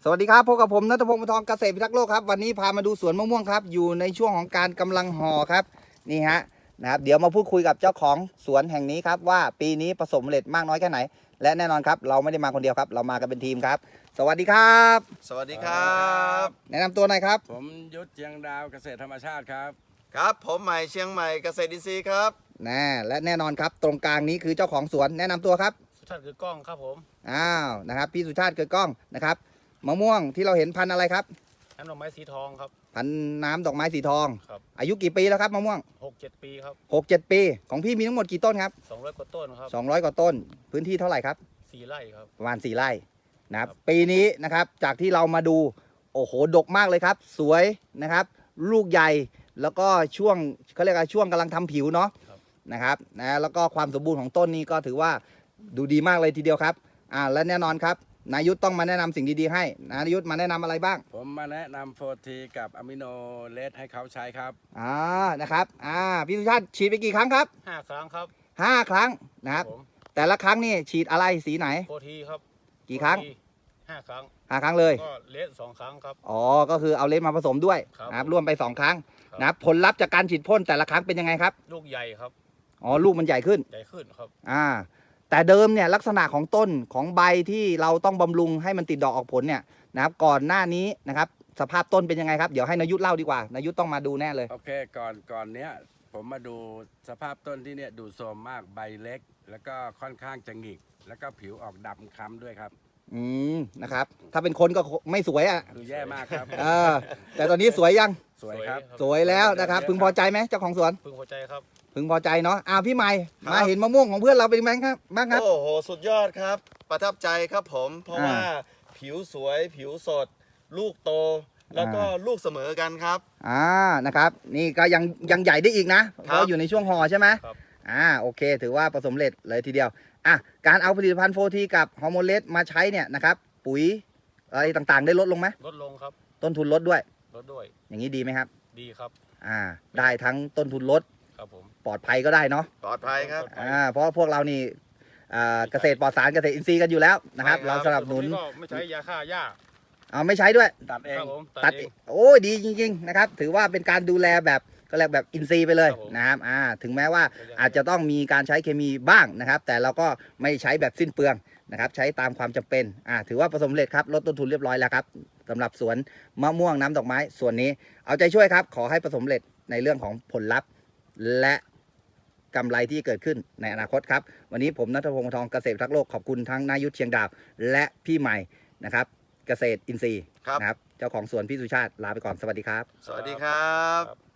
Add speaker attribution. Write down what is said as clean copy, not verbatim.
Speaker 1: สวัสดีครับพบกับผมณัฐพงศ์ ปานทองเกษตรพิทักษ์โลกครับวันนี้พามาดูสวนมะม่วงครับอยู่ในช่วงของการกำลังห่อครับนี่ฮะนะครับเดี๋ยวมาพูดคุยกับเจ้าของสวนแห่งนี้ครับว่าปีนี้ผสมผลิตมากน้อยแค่ไหนและแน่นอนครับเราไม่ได้มาคนเดียวครับเรามากันเป็นทีมครับสวัสดีครับ
Speaker 2: สวัสดีครับ
Speaker 1: แนะนำตัวหน่อยครับ
Speaker 3: ผมยุทธเชียงดาวเกษตรธรรมชาติครับ
Speaker 2: ครับผมใหม่เชียงใหม่เกษตรอินทรีย์ครับ
Speaker 1: และแน่นอนครับตรงกลางนี้คือเจ้าของสวนแนะนำตัวครับ
Speaker 4: สุชาติคือกล้องครับผม
Speaker 1: นะครับพี่สุชาติเกิดกล้องนะครับมะม่วงที่เราเห็นพันธุ์อะไรครับ
Speaker 4: น้ำดอกไม้สีทองครับ
Speaker 1: พันธุ์น้ำดอกไม้สีทอง
Speaker 4: ครับ
Speaker 1: อายุกี่ปีแล้วครับมะม่วง
Speaker 4: 6-7 ปีครับ
Speaker 1: 6-7 ปีของพี่มีทั้งหมดกี่ต้นครับ
Speaker 4: 200 กว่าต้นครับ
Speaker 1: 200 กว่าต้นพื้นที่เท่าไหร่ครับ
Speaker 4: 4 ไร่ครับ
Speaker 1: ประมาณ4 ไร่นะครับปีนี้นะครับจากที่เรามาดูโอ้โหดกมากเลยครับสวยนะครับลูกใหญ่แล้วก็ช่วงเขาเรียกว่าช่วงกำลังทำผิวเนาะนะครับแล้วก็ความสมบูรณ์ของต้นนี้ก็ถือว่าดูดีมากเลยทีเดียวครับและแน่นอนครับนายุทธต้องมาแนะนำสิ่งดีๆให้นายุทธมาแนะนำอะไรบ้าง
Speaker 3: ผมมาแนะนำโฟทีกับอะมิโนเลสให้เขาใช้ครับ
Speaker 1: นะครับพี่สุชาติฉีดไปกี่ครั้งครับ
Speaker 4: 5 ครั้งครับ
Speaker 1: 5 ครั้งนะครับแต่ละครั้งนี่ฉีดอะไรสีไหน
Speaker 4: โฟทีครับ
Speaker 1: กี่ครั้ง
Speaker 4: 5 ครั้ง
Speaker 1: 5 ครั้งเลย
Speaker 4: ก็เลส2 ครั้งครับ
Speaker 1: ก็คือเอาเลสมาผสมด้วยนะครับร่วมไป2 ครั้งนะผลลัพธ์จากการฉีดพ่นแต่ละครั้งเป็นยังไงครับ
Speaker 4: ลูกใหญ่ครับ
Speaker 1: ลูกมันใหญ่ขึ้น
Speaker 4: ครับ
Speaker 1: แต่เดิมเนี่ยลักษณะของต้นของใบที่เราต้องบำรุงให้มันติดดอกออกผลเนี่ยนะครับก่อนหน้านี้นะครับสภาพต้นเป็นยังไงครับเดี๋ยวให้นายุทธเล่าดีกว่านายุทธต้องมาดูแน่เลย
Speaker 3: โอเคก่อนเนี้ยผมมาดูสภาพต้นที่เนี่ยดูโทรมมากใบเล็ก แล้วก็ค่อนข้างจะหงิกแล้วก็ผิวออกดำคล้ำด้วยครับ
Speaker 1: นะครับถ้าเป็นคนก็ไม่สวย
Speaker 3: คือแย่มากครับ
Speaker 1: แต่ตอนนี้สวยยัง
Speaker 3: สวยครับ
Speaker 1: สวยแล้วนะครับพึงพอใจไหมเจ้าของสวน
Speaker 4: พึงพอใจครับ
Speaker 1: พึงพอใจเนาะพี่ใหม่มาเห็นมะม่วงของเพื่อนเราเป็นไงครับบ้างครับ
Speaker 2: โอ้โหสุดยอดครับประทับใจครับผมเพราะว่าผิวสวยผิวสด ลูกโตแล้วก็ลูกเสมอกันครับ
Speaker 1: นะครับนี่ก็ยังใหญ่ได้อีกนะเพราะอยู่ในช่วงห่อใช่ไหมโอเคถือว่าประสบเร็จเลยทีเดียวการเอาผลิตภัณฑ์โฟทีกับฮอร์โมนเลสมาใช้เนี่ยนะครับปุ๋ยอะไรต่างๆได้ลดลงไหม
Speaker 4: ลดลงครับ
Speaker 1: ต้นทุนลดด้วยอย่างนี้ดีไหมครับ
Speaker 4: ดีครับ
Speaker 1: ได้ทั้งต้นทุนลด
Speaker 4: ครับผม
Speaker 1: ปลอดภัยก็ได้เนาะ
Speaker 2: ปลอดภัยครับ
Speaker 1: เพราะพวกเรานี่เกษตรปลอดสารเกษตรอินทรีย์กันอยู่แล้วนะครับเราสนับสนุน
Speaker 4: ไม่ใช้ยาฆ่าหญ้า
Speaker 1: ไม่ใช้ด้วย
Speaker 3: ตัดเอง
Speaker 1: ตัดโอ้ดีจริงๆนะครับถือว่าเป็นการดูแลแบบก็เรียกแบบอินทรีย์ไปเลยนะครับถึงแม้ว่าอาจจะต้องมีการใช้เคมีบ้างนะครับแต่เราก็ไม่ใช้แบบสิ้นเปลืองนะครับใช้ตามความจำเป็นถือว่าประสบผลสำเร็จครับลดต้นทุนเรียบร้อยแล้วครับสำหรับสวนมะม่วงน้ำดอกไม้ส่วนนี้เอาใจช่วยครับขอให้ประสบผลสำเร็จในเรื่องของผลลัพธ์และกำไรที่เกิดขึ้นในอนาคตครับวันนี้ผมณัฐพงศ์ ปานทองเกษตรพิทักษ์โลกขอบคุณทั้งนายุทธเชียงดาวและพี่ใหม่นะครับเกษตรอินทรีย์นะครับเจ้าของสวนพี่สุชาติลาไปก่อนสวัสดีครับ
Speaker 2: สวัสดีครับ